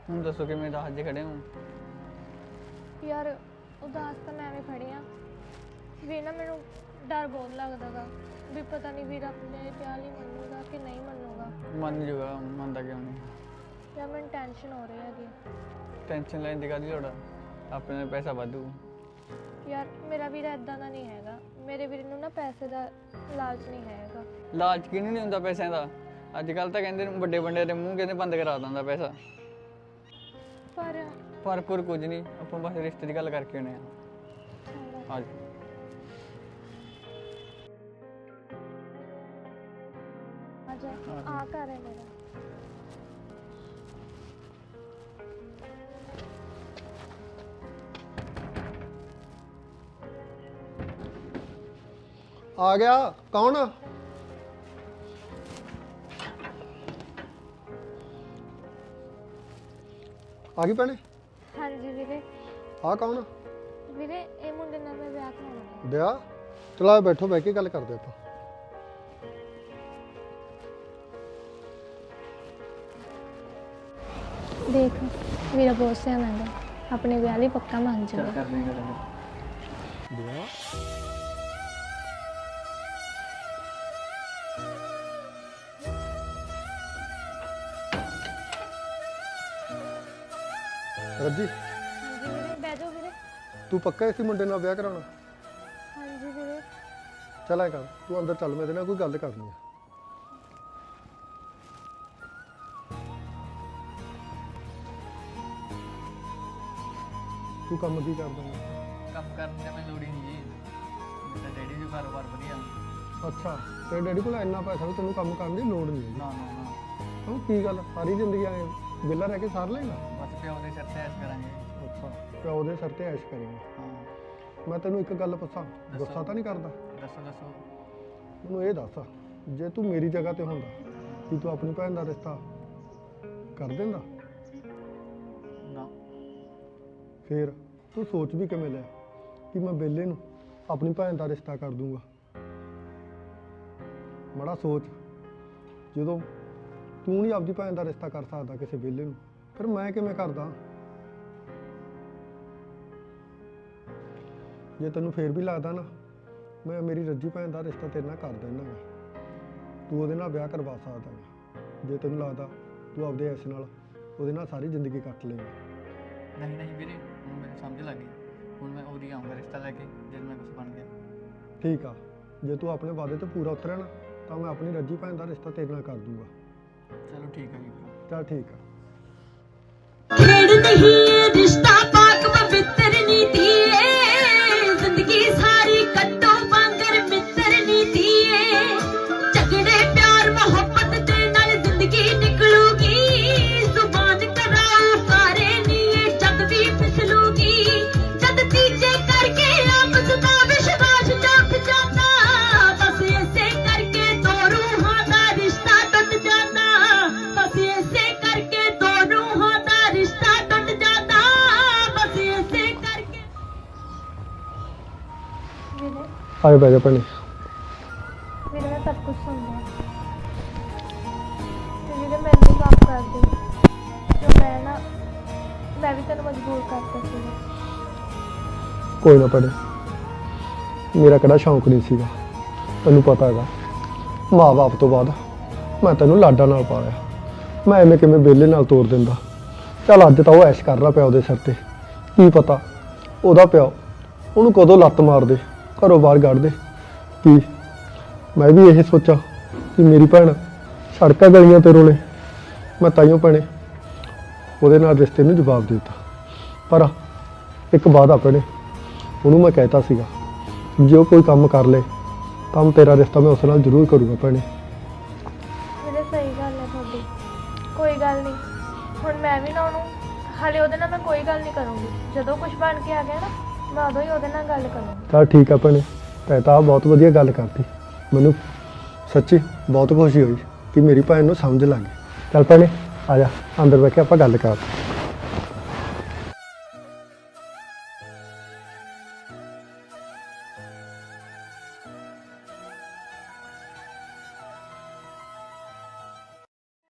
ਹੁਣ ਦੱਸੋ ਕਿਵੇਂ ਦੱਸ ਜੇ ਖੜੇ ਹੋ? ਯਾਰ ਉਦਾਸ ਤਾਂ ਮੈਂ ਐਵੇਂ ਖੜੀ ਆ ਵੀ ਨਾ ਮੈਨੂੰ ਡਰ ਬਹੁਤ ਲੱਗਦਾ ਗਾ ਵੀ ਪਤਾ ਨਹੀਂ ਵੀਰ ਆਪਣੇ ਪਿਆਰ ਲਈ ਮੰਨੂਗਾ ਕਿ ਨਹੀਂ ਮੰਨੂਗਾ। ਮੰਨ ਜੂਗਾ, ਮੰਨਦਾ ਕਿਉਂ ਨਹੀਂ? ਯਾਰ ਮੈਨੂੰ ਟੈਨਸ਼ਨ ਹੋ ਰਹੀ ਹੈਗੀ। ਟੈਨਸ਼ਨ ਲੈਣ ਦੀ ਕਾਹਦੀ ਲੋੜ ਆ? ਆਪਣੇ ਨਾਲ ਪੈਸਾ ਵਾਧੂ। ਯਾਰ ਮੇਰਾ ਵੀਰ ਏਦਾਂ ਦਾ ਨਹੀਂ ਹੈਗਾ, ਮੇਰੇ ਵੀਰ ਨੂੰ ਨਾ ਪੈਸੇ ਦਾ ਲਾਲਚ ਨਹੀਂ ਹੈਗਾ। ਲਾਲਚ ਕਿਹਨੂੰ ਨਹੀਂ ਹੁੰਦਾ ਪੈਸਿਆਂ ਦਾ? ਅੱਜ ਕੱਲ ਤਾਂ ਕਹਿੰਦੇ ਵੱਡੇ ਵੱਡੇ ਦੇ ਮੂੰਹ ਕਹਿੰਦੇ ਬੰਦ ਕਰਾ ਦਿੰਦਾ ਪੈਸਾ। ਪਰ ਕੁਝ ਨਹੀਂ, ਆਪਾਂ ਬਸ ਰਿਸ਼ਤੇ ਦੀ ਗੱਲ ਕਰਕੇ ਆਉਣੇ ਆ। ਅੱਜ ਆ ਘਰ ਹੈ ਮੇਰਾ। आ गया कौन? आ गई भैने? ਹਾਂਜੀ ਵੀਰੇ। आ कौन? ਵੀਰੇ ਇਹ ਮੁੰਡੇ ਨਾਲ ਮੈਂ ਵਿਆਹ ਕਰਾਉਣਾ। ਵਿਆਹ? ਚਲਾ ਬੈਠੋ, ਬਹਿ ਕੇ ਗੱਲ ਕਰਦੇ ਆਪਾਂ। ਦੇਖ ਵੀਰਾ ਬਹੁਤ ਸਿਆਣਾ ਹੈ, ਆਪਣੇ ਵਿਆਹ ਲਈ ਪੱਕਾ ਮੰਨ ਜਾਊਗਾ। ਕਰ ਦੇਂਗੇ ਵਿਆਹ? ਰੱਜੀ, ਹਾਂਜੀ ਵੀਰੇ ਬਹਿ ਜਾਓ ਵੀਰੇ। ਤੂੰ ਪੱਕਾ ਇਸੇ ਮੁੰਡੇ ਨਾਲ ਵਿਆਹ ਕਰਾਉਣਾ? ਹਾਂਜੀ ਵੀਰੇ। ਚੱਲ ਐ ਕਰ, ਤੂੰ ਅੰਦਰ ਚੱਲ, ਮੇਰੇ ਨਾਲ ਕੋਈ ਗੱਲ ਕਰਨੀ ਆ। ਤੂੰ ਕੰਮ ਕੀ ਕਰਦਾ ਹੈ? ਕੰਮ ਕਰਨ ਦੀ ਮੈਨੂੰ ਲੋੜ ਹੀ ਨਹੀਂ ਜੀ, ਮੇਰਾ ਡੈਡੀ ਵੀ ਕਾਰੋਬਾਰ ਵਧੀਆ। ਅੱਛਾ, ਤੇਰੇ ਡੈਡੀ ਕੋਲ ਇੰਨਾ ਪੈਸਾ ਵੀ ਤੈਨੂੰ ਕੰਮ ਕਰਨ ਦੀ ਲੋੜ ਨਹੀਂ ਹੈ? ਨਾ ਨਾ ਨਾ, ਹਾਂ, ਕੀ ਗੱਲ ਸਾਰੀ ਜ਼ਿੰਦਗੀ ਐ ਵਿਹਲਾ ਰਹਿ ਕੇ ਸਾਰ ਲਏਗਾ? ਬਸ ਪਿਓ ਦੇ ਸਿਰ ਤੇ ਐਸ਼ ਕਰਾਂਗੇ। ਅੱਛਾ, ਪਿਓ ਦੇ ਸਿਰ ਤੇ ਐਸ਼ ਕਰੇਂਗਾ। ਹਾਂ ਮੈਂ ਤੈਨੂੰ ਇੱਕ ਗੱਲ ਪੁੱਛਾਂ, ਦੱਸੋ। ਗੁੱਸਾ ਤਾਂ ਨਹੀਂ ਕਰਦਾ? ਦੱਸੋ ਦੱਸੋ। ਮੈਨੂੰ ਇਹ ਦੱਸ, ਜੇ ਤੂੰ ਮੇਰੀ ਜਗ੍ਹਾ ਤੇ ਹੁੰਦਾ ਕੀ ਤੂੰ ਆਪਣੀ ਭੈਣ ਦਾ ਰਿਸ਼ਤਾ ਕਰ ਦਿੰਦਾ? ਨਾ। ਫੇਰ ਤੂੰ ਸੋਚ ਵੀ ਕਿਵੇਂ ਲਿਆ ਕਿ ਮੈਂ ਬੇਲੇ ਨੂੰ ਆਪਣੀ ਭੈਣ ਦਾ ਰਿਸ਼ਤਾ ਕਰ ਦੂੰਗਾ? ਬੜਾ ਸੋਚ, ਜਦੋਂ ਤੂੰ ਨਹੀਂ ਆਪਦੀ ਭੈਣ ਦਾ ਰਿਸ਼ਤਾ ਕਰ ਸਕਦਾ ਕਿਸੇ ਬੇਲੇ ਨੂੰ, ਫਿਰ ਮੈਂ ਕਿਵੇਂ ਕਰਦਾ? ਜੇ ਤੈਨੂੰ ਫੇਰ ਵੀ ਲੱਗਦਾ ਨਾ ਮੈਂ ਮੇਰੀ ਰੱਜੀ ਭੈਣ ਦਾ ਰਿਸ਼ਤਾ ਤੇਰੇ ਨਾਲ ਕਰ ਦੇਣਾ ਗਾ, ਤੂੰ ਉਹਦੇ ਨਾਲ ਵਿਆਹ ਕਰਵਾ ਸਕਦਾ ਗਾ। ਜੇ ਤੈਨੂੰ ਲੱਗਦਾ ਤੂੰ ਆਪਦੇ ਐਸ ਨਾਲ ਉਹਦੇ ਨਾਲ ਸਾਰੀ ਜ਼ਿੰਦਗੀ ਕੱਟ ਲਏਗਾ। ਨਹੀਂ ਨਹੀਂ ਵੀਰੇ, ਹੁਣ ਮੈਨੂੰ ਸਮਝ ਲੱਗ ਗਈ। ਹੁਣ ਮੈਂ ਉਹਦੀ ਆਉਂਗਾ ਰਿਸ਼ਤਾ ਲੈ ਕੇ ਜਦ ਮੈਂ ਕੁਝ ਬਣ ਗਿਆ। ਠੀਕ ਆ, ਜੇ ਤੂੰ ਆਪਣੇ ਵਾਅਦੇ ਤੇ ਪੂਰਾ ਉਤਰਿਆ ਨਾ ਤਾਂ ਮੈਂ ਆਪਣੀ ਰੱਜੀ ਭੈਣ ਦਾ ਰਿਸ਼ਤਾ ਤੇਰੇ ਨਾਲ ਕਰ ਦੂੰਗਾ। ਚਲੋ ਠੀਕ ਹੈ ਜੀ ਫਿਰ। ਚੱਲ ਠੀਕ ਆ। खेड़ नहीं ये रिश्ता पाक पवित्र नीति है, जिंदगी सारी कट्टो वांगर मित्र नीति है। झगड़े प्यार मोहब्बत दे नाल जिंदगी निकलूगी, जुबान कराओ सारे नी ये जग भी फिसलूगी। जद तीजे करके आपस दा विश्वास टूट जाता, बस ऐसे करके दो रूहां दा रिश्ता टूट जाता, बस ऐसे करके दो रूहां दा रिश्ता टूट जाता, बस ऐसे करके। ਵੀਰੇ ਆਏ ਬਹਿ ਜਾ ਭੈਣੇ। ਵੀਰੇ ਮੈਂ ਸਭ ਕੁਝ ਸੁਣ ਲਿਆ ਤੇ ਵੀਰੇ ਮੈਨੂੰ ਮਾਫ ਕਰ ਦੇ ਜੋ ਮੈਂ ਵੀ ਤੈਨੂੰ ਮਜਬੂਰ ਕਰਤਾ ਸੀ। ਕੋਈ ਨਾ ਭੈਣੇ, ਮੇਰਾ ਕਿਹੜਾ ਸ਼ੌਂਕ ਨਹੀਂ ਸੀਗਾ, ਤੈਨੂੰ ਪਤਾ ਹੈਗਾ ਮਾਂ-ਬਾਪ ਤੋਂ ਬਾਅਦ ਮੈਂ ਤੈਨੂੰ ਲਾਡਾਂ ਨਾਲ ਪਾਲਿਆ, ਮੈਂ ਐਵੇਂ ਕਿਵੇਂ ਵਿਹਲੇ ਨਾਲ ਤੋਰ ਦਿੰਦਾ। ਚੱਲ ਅੱਜ ਤਾਂ ਉਹ ਐਸ਼ ਕਰ ਰਿਹਾ ਪਿਓ ਦੇ ਸਿਰ ਤੇ, ਕੀ ਪਤਾ ਉਹਦਾ ਪਿਓ ਉਹਨੂੰ ਕਦੋਂ ਲੱਤ ਮਾਰ ਦੇ, ਘਰੋਂ ਬਾਹਰ ਕੱਢ ਦੇ। ਕੀ ਮੈਂ ਵੀ ਇਹ ਸੋਚਾਂ ਕਿ ਮੇਰੀ ਭੈਣ ਸੜਕਾਂ ਗਲੀਆਂ ਤੇ ਰੋਲੇ? ਮੈਂ ਤਾਈਓ ਭੈਣੇ ਉਹਦੇ ਨਾਲ ਰਿਸ਼ਤੇ ਨੂੰ ਜਵਾਬ ਦੇ ਦਿੱਤਾ, ਪਰ ਇੱਕ ਵਾਅਦਾ ਭੈਣੇ ਉਹਨੂੰ ਮੈਂ ਕਹਿਤਾ ਸੀਗਾ ਜੇ ਉਹ ਕੋਈ ਕੰਮ ਕਰ ਲੇ ਤਾਂ ਤੇਰਾ ਰਿਸ਼ਤਾ ਮੈਂ ਉਸ ਨਾਲ ਜ਼ਰੂਰ ਕਰੂੰਗਾ ਭੈਣੇ। ਵੀਰੇ ਸਹੀ ਗੱਲ ਹੈ ਤੁਹਾਡੀ, ਕੋਈ ਗੱਲ ਨਹੀਂ। ਹੁਣ ਮੈਂ ਵੀ ਨਾ ਉਹਨੂੰ ਹਾਲੇ ਉਹਦੇ ਨਾਲ ਮੈਂ ਕੋਈ ਗੱਲ ਨਹੀਂ ਕਰੂੰਗੀ, ਜਦੋਂ ਕੁਝ ਬਣ ਕੇ ਆ ਗਿਆ ਨਾ ਮੈਂ ਉਦੋਂ ਹੀ ਉਹਦੇ ਨਾਲ ਗੱਲ ਕਰੂੰਗੀ। ਚੱਲ ਠੀਕ ਆ ਭੈਣੇ, ਤੈਂ ਤਾਂ ਬਹੁਤ ਵਧੀਆ ਗੱਲ ਕਰਤੀ, ਮੈਨੂੰ ਸੱਚੀ ਬਹੁਤ ਖੁਸ਼ੀ ਹੋਈ ਕਿ ਮੇਰੀ ਭੈਣ ਨੂੰ ਸਮਝ ਲੱਗ ਗਈ। ਚੱਲ ਭੈਣੇ ਆ ਜਾ ਅੰਦਰ ਬਹਿ ਕੇ ਆਪਾਂ ਗੱਲ ਕਰਦੇ।